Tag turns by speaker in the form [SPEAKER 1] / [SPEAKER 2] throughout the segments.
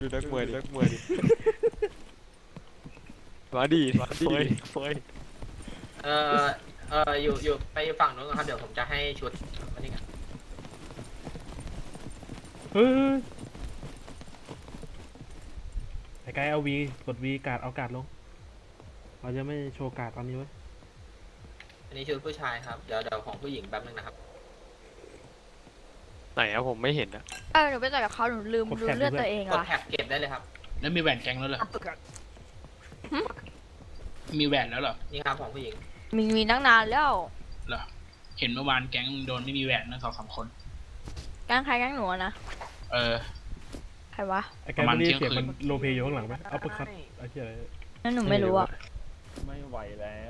[SPEAKER 1] ดูนักมวยดิมาดิเฟย
[SPEAKER 2] เอออยู่ไปฝั่งนู้นก่อนครับเดี๋ยวผมจะให้ชุดอันนี้กัน
[SPEAKER 3] เฮ้ยไอ้ไกด์เอาวีกดวีการ์ดเอาการ์ดลงเราจะไม่โชว์การ์ดตอนนี้ไว้ย
[SPEAKER 2] อันนี้ชุดผู้ชายครับเดี๋ยวของผู้หญิงแป๊บนึงนะครับ
[SPEAKER 1] ไหนอะผมไม่เห็นอะ
[SPEAKER 4] หนูไปต่อยกับเขาหนูลืมดูเลือดตัวเอง
[SPEAKER 2] กด
[SPEAKER 4] อ่ะ
[SPEAKER 2] แท็บเก็บได้เลยครับ
[SPEAKER 5] แล้วมีแหวนแก๊งแล้วเหรอมีแหวนแล้วเหรอ
[SPEAKER 2] นี่ครับของผู้หญิง
[SPEAKER 4] มีตั้งนานแล้ว
[SPEAKER 5] เหรอเห็นเมื่อวานแก๊งมึงโดนไม่มีแหวนนะ2-3 คน
[SPEAKER 4] แกล้งใครแกล้งหนูอะนะ
[SPEAKER 5] เออ
[SPEAKER 4] ใครวะ
[SPEAKER 3] ไอ้ไกด์ไม่ได้ยินเสียง
[SPEAKER 5] ประมาณ
[SPEAKER 3] มัน
[SPEAKER 5] เที่ยงคืน
[SPEAKER 3] โลเพอยู่ข้างหลังไหมเอาไปคัดไอ้เหี้ยอะไร
[SPEAKER 4] นั่นหนูไม่รู้อ่ะ
[SPEAKER 6] ไม่ไหวแล้ว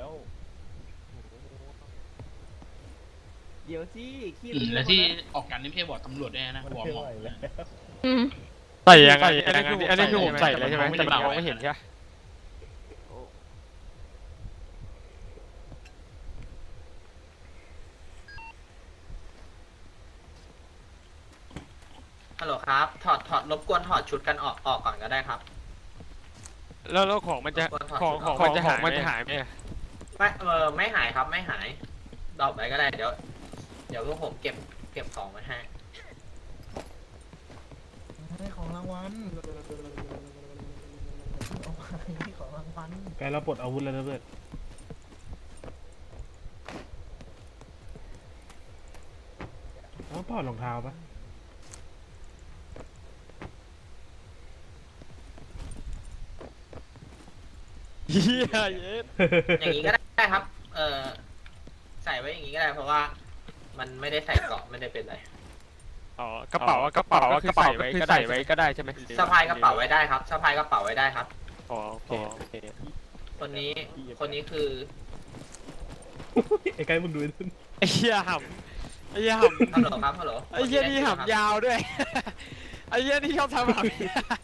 [SPEAKER 6] เดี๋ยวสิขี้
[SPEAKER 5] แล้วที่ออกกันนี่ไม่ใช่บอกตำรวจด้วยนะ
[SPEAKER 6] มัน
[SPEAKER 5] บอก
[SPEAKER 6] ไม่
[SPEAKER 5] หมอ
[SPEAKER 6] ไหวแล้ว
[SPEAKER 1] ใส่ยังไงอันนี้คือผมใส่เลยใช่ไหมแต่เราไม่เห็นใช่ไหม
[SPEAKER 2] ฮัลโหลครับถอดรบกวนถอดชุดกันออกก่อนก็ได้ครับ
[SPEAKER 1] แล้วของมันจะของมันจะหายไหม
[SPEAKER 2] ไม่หายครับไม่หายดรอปไว้ก็ได้เดี๋ยวพวกผมเก็บของไว้ให้
[SPEAKER 6] ให้ของรางวัลเอาให้ของรางวัล
[SPEAKER 3] ไกด์เราปลดอาวุธแล้วนะเพื่อนเอาปลดรองเท้าปะ
[SPEAKER 1] เฮียเย็ด
[SPEAKER 2] อย่างนี้ก็ได้ครับ ใส่ไว้อย่างนี้ก็ได้เพราะว่า มันไม่ได้ใส่เกราะไม่ได้เป็นไร
[SPEAKER 1] อ๋อกระเป๋าคือใส่ไว้ก็ได้ใช่ไหม
[SPEAKER 2] สะพายกระเป๋าไว้ได้ครับสะพายกระเป๋าไว้ได้ครับ
[SPEAKER 1] อ๋อโอเค
[SPEAKER 2] คนนี้คือ
[SPEAKER 3] ไอ้ไกด์มึงดูไอ้นั่น
[SPEAKER 1] ไอ้เหี้ยหำไอ้เหี้ยห
[SPEAKER 2] ฮัลโหลครับฮัลโหล
[SPEAKER 1] ำไอ้เหี้ยนี่หำยาวด้วยไอ้เหี้ยนี่ชอบทำหำ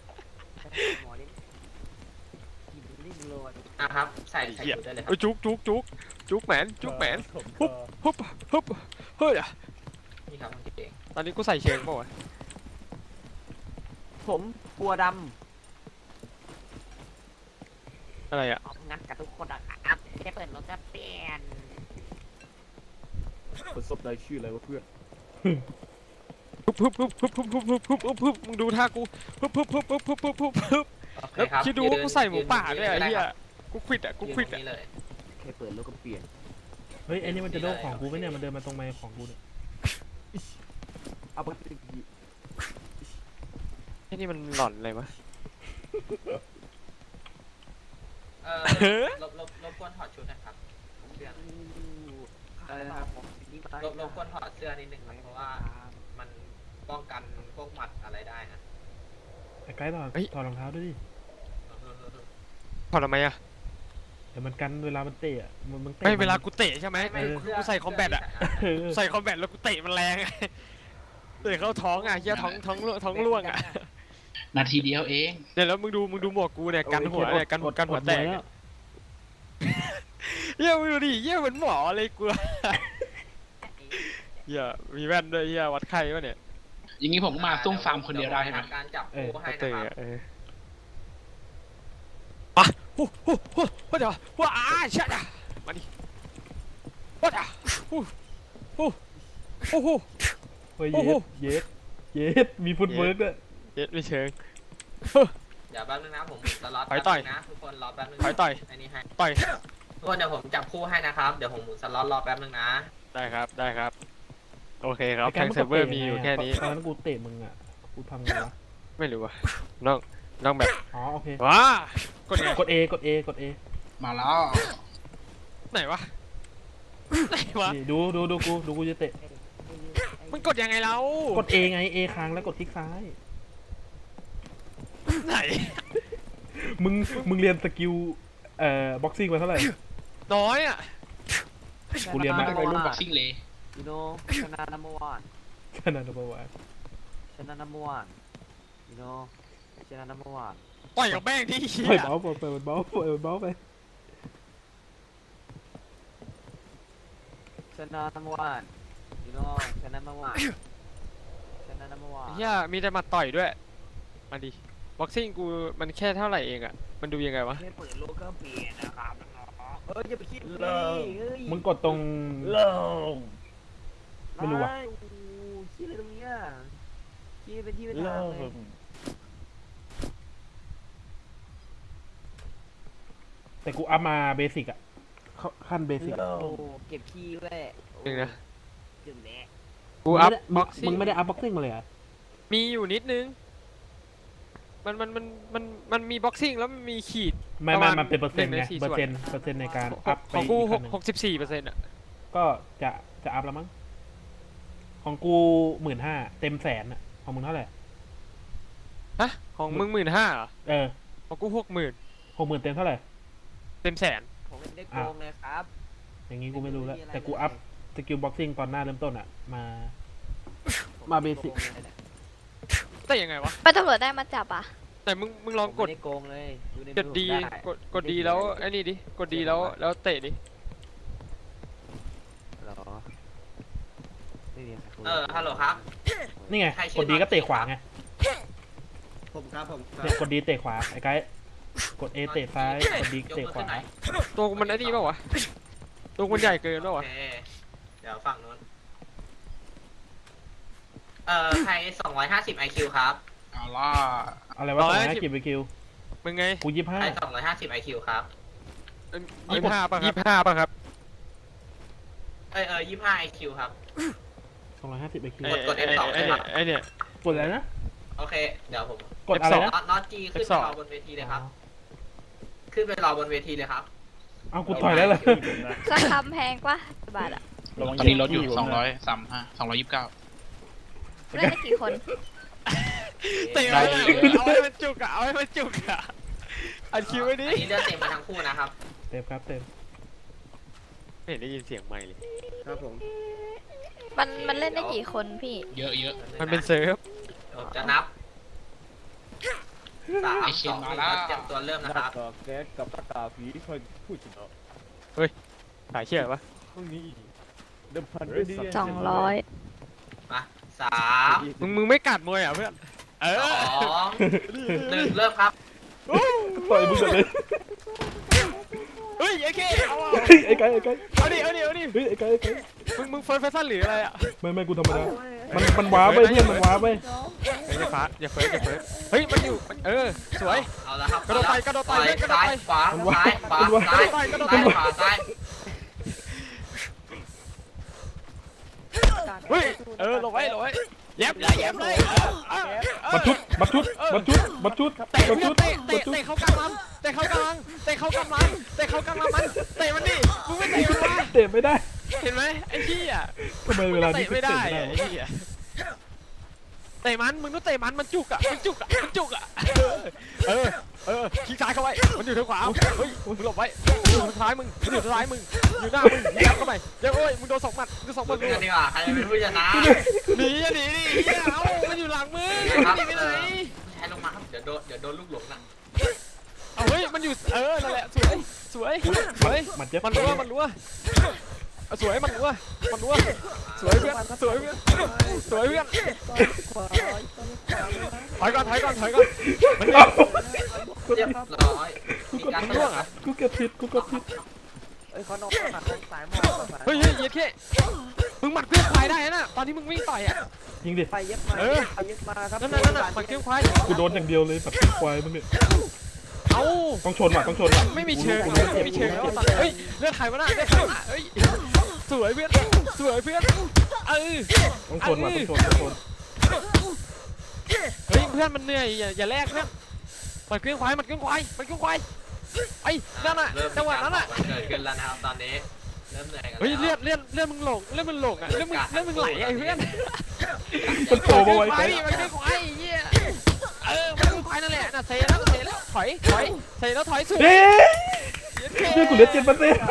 [SPEAKER 2] นะครับใส่ชุดได้เลยครับ
[SPEAKER 1] จุกแหมนฮึบเฮ้ย
[SPEAKER 2] นี่ครับกางเกง
[SPEAKER 1] ตอนนี้กูใส่เชิงป่าวะ
[SPEAKER 7] ผมกลัวด
[SPEAKER 1] อะไรอะ
[SPEAKER 7] ำงัดกับทุกคนอะครับแค่เปิดรถก็เปลี่ยน
[SPEAKER 6] คนซบได้ชื่ออะไรวะเพื่อน
[SPEAKER 1] ฮึบมึงดูท่ากูฮึบ
[SPEAKER 2] โอเค
[SPEAKER 1] แล้ว
[SPEAKER 2] ครับ
[SPEAKER 1] คิดดูว่ากูใส่หมูป่าด้วยไอ้เหี้ยกูควิด
[SPEAKER 2] ยืนตรงนี้เลย
[SPEAKER 7] แค่เปิดรถก็เปลี่ยน
[SPEAKER 3] เฮ้ยไอ้นี่มันจะโดนของกูไหมเนี่ยมันเดินมาตรงไมค์ของกูเนี่ย
[SPEAKER 7] เอาไป
[SPEAKER 1] ไอ้นี่มันหลอนอะไรวะ
[SPEAKER 2] รบกวนถอดชุดนะครับเสื้อ
[SPEAKER 7] อะไรนะครับผมนี่มา
[SPEAKER 2] รบกวนถอดเสื้อนิดนึงครับเพราะว่ามันป้องกันพวกหมัดอะไรได้นะ
[SPEAKER 3] ไอ้ไกด์ถอดรองเท้าด้วยดิ
[SPEAKER 1] พอทำไมอะ
[SPEAKER 3] เดี๋ยวมันกันเวลามันเตะอะมันเตะ
[SPEAKER 1] ไม่เวลากูเตะใช่ไหม กูใส่คอมแบทอะ
[SPEAKER 3] เออ
[SPEAKER 1] ใส่คอมแบทแล้วกูเตะมันแรงอะเตะเข้าท้องอะเหี้ยท้องร่วงอะ
[SPEAKER 5] นาทีเดียวเอง
[SPEAKER 1] เนี่ยแล้วมึงดูหมวกกูเนี่ยกันหัวเนี่ยกันหัวแตก
[SPEAKER 3] ล้ว
[SPEAKER 1] เหี้ยมึงดูดิเหี้ยเหมือนหมอเลยกูเหี้ยมีแว่นด้วยเหี้ยวัดไข้วะเนี่ย
[SPEAKER 5] อย่างนี้ผมก็มาซุ่มฟาร์มคนเดียวได้ใช่ไหม
[SPEAKER 2] การจับคู่ให้
[SPEAKER 1] เตะ
[SPEAKER 2] นะครับ
[SPEAKER 1] ปะเดี๋ยวว้าเชี่ยมาดิว้าโอ้โห
[SPEAKER 3] เฮ้ย
[SPEAKER 1] โอ้โห
[SPEAKER 3] เย็ดมีฟุตเวิร์กด้วย
[SPEAKER 1] เย็ดไม่เชิง
[SPEAKER 2] เดี๋ยวแป๊บนึงนะผมหมุนสล็อต
[SPEAKER 1] ถอยต่อย
[SPEAKER 2] แป๊บนึงนะทุกคนรอแป๊บนึง
[SPEAKER 1] ถอยต่อย
[SPEAKER 2] อันนี้ให้
[SPEAKER 1] ต่อย
[SPEAKER 2] ทุกคนเดี๋ยวผมจับคู่ให้นะครับเดี๋ยวผมหมุนสล็อตรอแป๊บนึงนะ
[SPEAKER 1] ได้ครับโอเคครับ
[SPEAKER 3] ไอ้ไก
[SPEAKER 1] แท
[SPEAKER 3] ด์
[SPEAKER 1] ง
[SPEAKER 3] มึง
[SPEAKER 1] เซิร์ฟเวอร์
[SPEAKER 3] ตะ
[SPEAKER 1] มีอยู่แค่นี้
[SPEAKER 3] ตอนนั้นกูเตะมึงอ่ะกูทำไงวะ
[SPEAKER 1] ไม่รู้ว่ะน้องแบบ
[SPEAKER 3] อ๋อโอเค
[SPEAKER 1] ว้ากดไง
[SPEAKER 3] กด A
[SPEAKER 5] มาแล้ว
[SPEAKER 1] ไหนวะไหนวะ
[SPEAKER 3] นี่ดูกูจะเตะ
[SPEAKER 1] มันกดยังไงเรา
[SPEAKER 3] กด A ไง A ค้างแล้วกดคลิกซ้าย
[SPEAKER 1] ไหน
[SPEAKER 3] มึงเรียนสกิลบ็อกซิ่งมาเท่าไหร่
[SPEAKER 1] น้อยอ่ะ
[SPEAKER 3] กูเรียนมา
[SPEAKER 5] ไปรุ่นบ็อกซิ่งเลย
[SPEAKER 7] ยูโน่ชนะนัมเบอร์วัน
[SPEAKER 3] ขนาดนั้นปะวะ
[SPEAKER 7] ชนะนัมเบอร์วันยูโน่ชนะนัมเบอร์วัน
[SPEAKER 1] ต่อยกับแม่งที่
[SPEAKER 3] ปล่อยเบาปล่อยเบาไป
[SPEAKER 7] ชนะนัมเบอร์วันยูโน่ชนะนัมเบอร์วันชนะนัมเบอร์วัน
[SPEAKER 1] เฮียมีแต่มาต่อยด้วยมาดิบ็อกซิ่งกูมันแค่เท่าไหร่เองอะมันดูยังไงวะ
[SPEAKER 7] แค่เปิดโลก็เปลี่ยนนะครับน้องๆอย่าไปคิด
[SPEAKER 6] เลิก
[SPEAKER 7] เฮ้ย
[SPEAKER 3] มึงกดตรง
[SPEAKER 6] เลิก
[SPEAKER 3] ไม่รู้ว่ะ
[SPEAKER 7] โอ้โหคิดอะไรตรงเนี้ยคิดเป็นที่เป็น
[SPEAKER 6] เลิ
[SPEAKER 7] ทางเลย
[SPEAKER 6] ก
[SPEAKER 3] แต่กูอัพมาเบสิกอะขั้นเบสิก
[SPEAKER 6] เลิ
[SPEAKER 7] โอ้
[SPEAKER 6] ก
[SPEAKER 7] เก็บขี้แหละ
[SPEAKER 1] จริงนะ
[SPEAKER 7] เก็บแหละ
[SPEAKER 1] กูอัพ
[SPEAKER 3] มึ
[SPEAKER 1] บ็
[SPEAKER 3] ง
[SPEAKER 1] อกซิ่
[SPEAKER 3] มึ
[SPEAKER 1] ง
[SPEAKER 3] งไม่ได้อัพบ็อกซิ่งมาเลยเหรอ่ะ
[SPEAKER 1] มีอยู่นิดนึงมันมีบ็อกซิ่งแล้วมันมีขีด
[SPEAKER 3] ไม่
[SPEAKER 1] ประมาณ
[SPEAKER 3] มันเป็นเปอร์เซ็นต์
[SPEAKER 1] หนึ่
[SPEAKER 3] ไง
[SPEAKER 1] งในสี่
[SPEAKER 3] เปอ
[SPEAKER 1] ส่วน
[SPEAKER 3] ร์เซ็นต์ในการอัพไป
[SPEAKER 1] ของกู
[SPEAKER 3] อีกขั้นหนึ่ง
[SPEAKER 1] 64%อะ
[SPEAKER 3] ก็จะอัพแล้วมั้งของกู15,000เต็มแสนอะของมึงเท่าไหร่
[SPEAKER 1] ฮะของมึง15,000เหรอ
[SPEAKER 3] เออ
[SPEAKER 1] ของกู60,000
[SPEAKER 3] 60,000เต็มเท่าไหร่
[SPEAKER 1] เต็มแสน
[SPEAKER 7] ผมไม่ได้โกงเลยครับ
[SPEAKER 3] อย่างงี้กูไม่รู้แล้ว แต่กูอัพสกิลบ็อกซิ่งตอนหน้าเริ่มต้นอะมาเบสิก
[SPEAKER 1] แต่ยังไงวะ
[SPEAKER 4] ไปตำรวจได้มาจับอ่ะ
[SPEAKER 1] แต่มึงลองกด
[SPEAKER 7] ไม่ได้โกงเลยดูใน
[SPEAKER 1] กดดี
[SPEAKER 7] มือผมไ
[SPEAKER 1] กดดีแล้วไอ้นี่ดิกดดีแล้วเตะดิ
[SPEAKER 7] เหรอไม่มีใครคุย
[SPEAKER 2] ฮัลโหลครับ
[SPEAKER 3] นี่ไง
[SPEAKER 2] ใครชื่
[SPEAKER 3] ก
[SPEAKER 2] อ
[SPEAKER 3] ดดีก็เตะขวาไง
[SPEAKER 8] ผมครับผมครั
[SPEAKER 3] เนี่ย
[SPEAKER 8] บ
[SPEAKER 3] กดดีเตะขวาไอ้ไกด์กด A เตะซ้ายกดดีเตะขวา
[SPEAKER 1] ตัวกูมันไอ้นี่เปล่าวะตัวกูมันใหญ่เกินเปล่าวะ
[SPEAKER 2] โอเคเดี๋ยวฝั่งนู้นใคร250 IQ ครับ
[SPEAKER 5] เอาล่ะ
[SPEAKER 3] อะไรวะ250กี่ไปคิว
[SPEAKER 1] มึงไง
[SPEAKER 3] กู
[SPEAKER 2] ใคร250 IQ ครับ
[SPEAKER 1] 25ป่ะครับ
[SPEAKER 2] 25 IQ ครับ
[SPEAKER 3] 25 250ไปคิว
[SPEAKER 2] กด F2
[SPEAKER 1] ไอ้เนี่ยไอ้เนี่ย
[SPEAKER 3] กดอะไรนะ
[SPEAKER 2] โอเค เดี๋ยวผม
[SPEAKER 3] กดอะไรนะ
[SPEAKER 2] น็อตจีขึ้นไปรอบนเวทีเลยครับ ขึ้นไปรอบนเวทีเลยครับ
[SPEAKER 3] เอากูต่อยแล้วเลย
[SPEAKER 4] สักคำแพงกว่าบาทอ่ะ
[SPEAKER 5] ตอนนี้ลดอยู่235 229
[SPEAKER 4] เล่นได้กี่คน
[SPEAKER 1] เตะเอาให้มันจุกอะเอาให้มันจุกอะอัดคิวไว้ดิ
[SPEAKER 2] อันนี้เลือดเต็มมาทั้งคู่นะครับ
[SPEAKER 3] เต็มครับเต็ม
[SPEAKER 1] ไม่เห็นได้ยินเสียงไม่เลย
[SPEAKER 8] ครับผม
[SPEAKER 4] มันเล่นได้กี่คนพี่
[SPEAKER 5] เยอะเยอะ
[SPEAKER 1] มันเป็นเซิร์ฟ
[SPEAKER 2] ผมจะนับ3
[SPEAKER 5] ไอ้เชน
[SPEAKER 2] 2
[SPEAKER 5] มาแล้ว
[SPEAKER 2] 1เตรียมตัวเริ่ม
[SPEAKER 6] ห
[SPEAKER 2] นะค
[SPEAKER 6] น้า
[SPEAKER 2] รับ
[SPEAKER 6] กากแก๊สกับตากาผีค่อยพูดชนะ
[SPEAKER 1] สายเชื่อปะ
[SPEAKER 6] พรุ่งนี้เดิมพันด้วยสัตว์
[SPEAKER 4] 200
[SPEAKER 2] มา3
[SPEAKER 1] มึงไม่กัดมวยอ่ะเพื่อน
[SPEAKER 2] 2 1เริ่มครับ
[SPEAKER 3] ต่อยมึงก่อนเลย
[SPEAKER 1] เฮ้ยไอ้เคเอา
[SPEAKER 3] เฮ้ยไอ้ไกด์
[SPEAKER 1] เอาดิ
[SPEAKER 3] เฮ้ยไอ้ไกด์
[SPEAKER 1] มึงเฟิร์สแฟชั่นหรืออะไรอ่ะ
[SPEAKER 3] ไม่กูธรรมดามันว้าไปเพื่อนมันว้าไป
[SPEAKER 1] อย่าเฟิร์สเฮ้ยมันอยู่สวย
[SPEAKER 2] เอาละครับ
[SPEAKER 1] กระโดดไป
[SPEAKER 2] ซ้ายขวาซ้ายขวาซ้ายขวาซ้าย
[SPEAKER 1] เฮ้ยลงไว้เย็บเลย
[SPEAKER 3] บัดชุด
[SPEAKER 1] เตะเข้ากลางลำเตะเข้ากลางมันเตะมันดิมึงไม่เตะมันวะ
[SPEAKER 3] เตะไม่ได้
[SPEAKER 1] เห็นไหมไอ้ที่อ่ะ
[SPEAKER 3] ทำไมเวลานี้
[SPEAKER 1] เตะไม่ได้ไอ้ที่อ่ะเตะมันมึงต้องเตะมันจุกอ่ะขี้ซ้ายเข้าไว้มันอยู่ทางขวาเฮ้ยมึงหลบไว้อยู่ทางซ้ายมึงอยู่หน้ามึงยับเข้าไปเดี๋ยวโอ้ยมึงโดน2 หมัด
[SPEAKER 2] กันดีกว่าใครเป็นผู้ชนะ
[SPEAKER 1] หนีเอามันอยู่หลังมึงหนีไปไหน
[SPEAKER 2] ให้ลงมาครับเดี๋ยวโดนลูกหลงนะ
[SPEAKER 1] เอาเฮ้ยมันอยู่นั่นแหละสวย
[SPEAKER 3] มันเจ็บ
[SPEAKER 1] มันรัวสวยมันรัวสวยเพื่อนถอยก่อนมัน
[SPEAKER 2] เรียบร้อยมีการ
[SPEAKER 1] ร่วงอ่ะ
[SPEAKER 3] กูเก็บผิด
[SPEAKER 7] เอ้ยเขานอนหนักสายหมอ
[SPEAKER 1] เฮ้ยเย็ดแค่มึงหมัดเครื่องควายได้นะตอนที่มึงวิ่งต่อยอ่ะ
[SPEAKER 3] ยิงดิ
[SPEAKER 7] ไปเย็บมาไปเย็บมาครับ
[SPEAKER 1] นั่นหมัดเครื่องควาย
[SPEAKER 3] กูโดนอย่างเดียวเลยปัดควายมึงเนี่ย
[SPEAKER 1] เอ้า
[SPEAKER 3] ต้องชนว่ะ
[SPEAKER 1] ไม่มีเชิงแล้วเฮ้ยเลือดใครวะน่ะเฮ้ยสวยเพื่อน
[SPEAKER 3] ต้องชนว่ะ
[SPEAKER 1] เฮ้ยเพื่อนมันเหนื่อยอย่าแลกเพื่อนมันเครื่องควายไอ้นั่นน่ะจังหวะนั้นน่ะ
[SPEAKER 2] เกิดขึ้นแล้วนะครับตอนนี้เริ่มเหนื่อยกัน
[SPEAKER 1] เฮ้ยเลือดมึงหลงอ่ะเลือดมึงไหลไอ้เพื่อน
[SPEAKER 3] มันโตมาไว้
[SPEAKER 1] ควา
[SPEAKER 3] ไก
[SPEAKER 1] ย
[SPEAKER 3] ด์
[SPEAKER 1] มันคือควายเหี้ยมันคือควายนั่นแหละน่ะเซแล้วถอยเซแล้วถอยสุด
[SPEAKER 3] เฮ้ยนี่กูเหลือ7%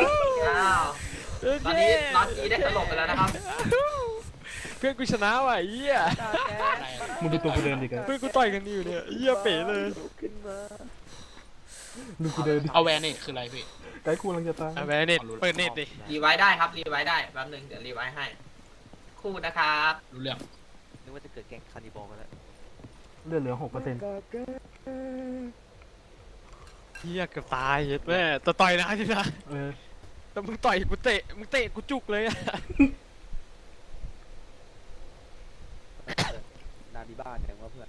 [SPEAKER 2] ตอนนี้น็อตจีได้สลบไปแล้วนะครับ
[SPEAKER 1] เพื่อนกูชนะว่ะเหี้ย
[SPEAKER 3] มึงดูตัวกูเดินดิกัน
[SPEAKER 1] เพื่อนกูต่อยกันอยู่เนี่ยเหี้ยเป๋เลย
[SPEAKER 3] ดูกูเดินดิ
[SPEAKER 5] เอาแวนนี่คืออะไรพี่
[SPEAKER 3] ไกด์กูกำลังจะตาย
[SPEAKER 1] แม่เน็ตเปิดเน็ตดิ
[SPEAKER 2] รีไว้ได้ครับรีไว้ได้แป๊บนึงเดี๋ยวรีไว้ให้คู่นะครับ
[SPEAKER 5] รู้เรื่อง
[SPEAKER 7] นึกว่าจะเกิดแก๊งคานิบอลกันแล้ว
[SPEAKER 3] เลือดเหลือ6%
[SPEAKER 1] เฮียเกือบตายเหี้ยแม่แต่ต่อยนะทีนะ
[SPEAKER 3] เออ
[SPEAKER 1] แต่มึงต่อยกูเตะมึงเตะกูจุกเลยอะ
[SPEAKER 7] นาดีบ้านเนี่ยว่าเพื่อน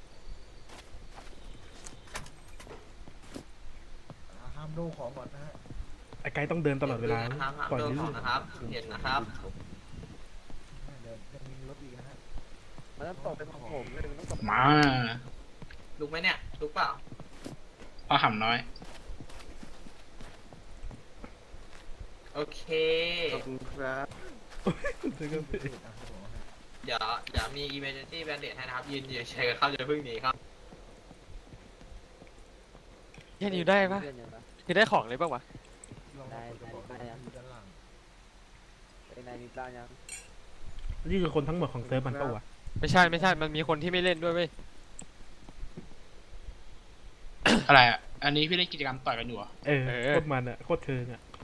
[SPEAKER 9] ห้ามดูของก่อนนะฮะ
[SPEAKER 3] ไอ้ไกด์ต้องเดินตลอดเวลา
[SPEAKER 2] นะครับห้าม
[SPEAKER 3] ปล่อย
[SPEAKER 2] โดน
[SPEAKER 3] ลื่
[SPEAKER 2] ของ
[SPEAKER 3] น
[SPEAKER 2] นะครับเห็นนะครับ
[SPEAKER 9] เดี๋ยวยังมีรถอีกนะฮะ
[SPEAKER 7] มันต้องตกเป็นของผมเลยมันต้องตก
[SPEAKER 5] มา
[SPEAKER 2] ลุกไหมเนี่ยลุกเปล่า
[SPEAKER 5] พ่อหำน้อย
[SPEAKER 2] โอเค
[SPEAKER 8] ขอบคุณครับ
[SPEAKER 3] เจอกันพี่
[SPEAKER 2] เดี๋ยวมี emergency bandage ให้นะครับยืนเฉยๆครับอย่าเพิ่งหนีครับ
[SPEAKER 1] เฮียนิวได้ปะ
[SPEAKER 7] เพื่อนยังปะ
[SPEAKER 1] คือได้ของเลยปะวะ
[SPEAKER 9] ลอง
[SPEAKER 7] ได้
[SPEAKER 9] กด
[SPEAKER 7] ได้
[SPEAKER 9] อยู่ด้านหลัง
[SPEAKER 7] ไอ้นายมีปลายัง
[SPEAKER 3] นี่คือคนทั้งหมดของเซิร์ฟมันปะวะ
[SPEAKER 1] ไม่ใช่ไม่ใช่มันมีคนที่ไม่เล่นด้วยเว้ย
[SPEAKER 5] อะไรอ่ะ อันนี้พี่เล่นกิจกรรมต่อยกันอยู่เหรอ
[SPEAKER 3] เออโคตรมันอะโคตรเชิงอะ